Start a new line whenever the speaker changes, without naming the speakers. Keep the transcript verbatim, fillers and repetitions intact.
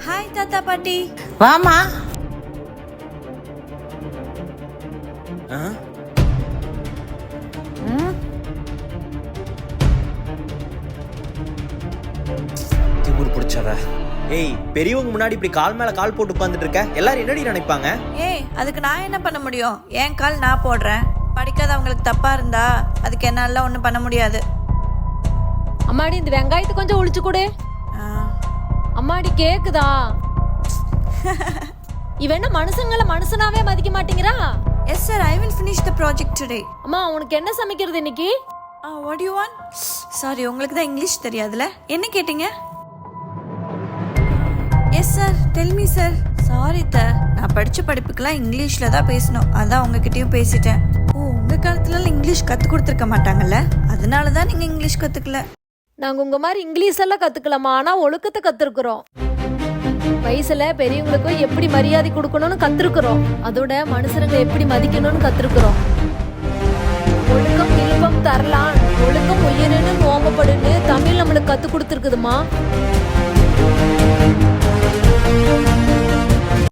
Hi தாத்தா பாட்டி.
வாமா.
திமிரு பிடிச்சவ. ஏய், பெரியவங்க முன்னாடி இப்படி கால் மேல கால் போட்டு உட்கார்ந்துட்டு இருக்க, எல்லாரும் என்னடி நினைப்பாங்க?
ஏய், அதுக்கு நான் என்ன பண்ண முடியும்? என் கால் நான் போடுறேன். படிக்காதவங்களுக்கு தப்பா இருந்தா அதுக்கு என்னால ஒன்றும் பண்ண முடியாது.
அம்மாடி இந்த வெங்காயத்தை கொஞ்சம் ஒளிச்சு கொடு. அம்மாடி கேக்குதா? இவன் என்ன மனுஷங்களை மனுஷனாவே மதிக்க மாட்டேங்கிறா?
Yes sir, I will finish the project today.
அம்மா உனக்கு என்ன சமைக்கிறது இன்னைக்கு?
Ah, what do you want? Sorry, உங்களுக்கு தான் இங்கிலீஷ் தெரியாதுல. என்ன கேட்டீங்க? Yes sir, tell me sir. Sorry த, நான் படிச்ச படிப்புக்கெல்லாம் இங்கிலீஷ்ல தான் பேசணும். அதான் உங்ககிட்டயும் பேசிட்டேன். ஓ, உங்க காலத்துல இங்கிலீஷ் கத்து கொடுத்துருக்க மாட்டாங்கல்ல, அதனால தான் நீங்க இங்கிலீஷ் கத்துக்கல.
நாங்க உங்க மாதிரி இங்கிலீஷ் எல்லாம் கத்துக்கலாமா, ஆனா ஒழுக்கத்தை கத்துருக்குறோம். வயசுல பெரியவங்களுக்கு எப்படி மரியாதை கொடுக்கணும்னு கத்துருக்குறோம். அதோட மனுஷருங்க எப்படி மதிக்கணும்னு கத்துருக்குறோம். ஒழுக்கம் இல்பம் தரலாம், ஒழுக்கம் உயிரினு ஓம்பப்படுன்னு தமிழ் நம்மளுக்கு கத்து கொடுத்துருக்குதுமா.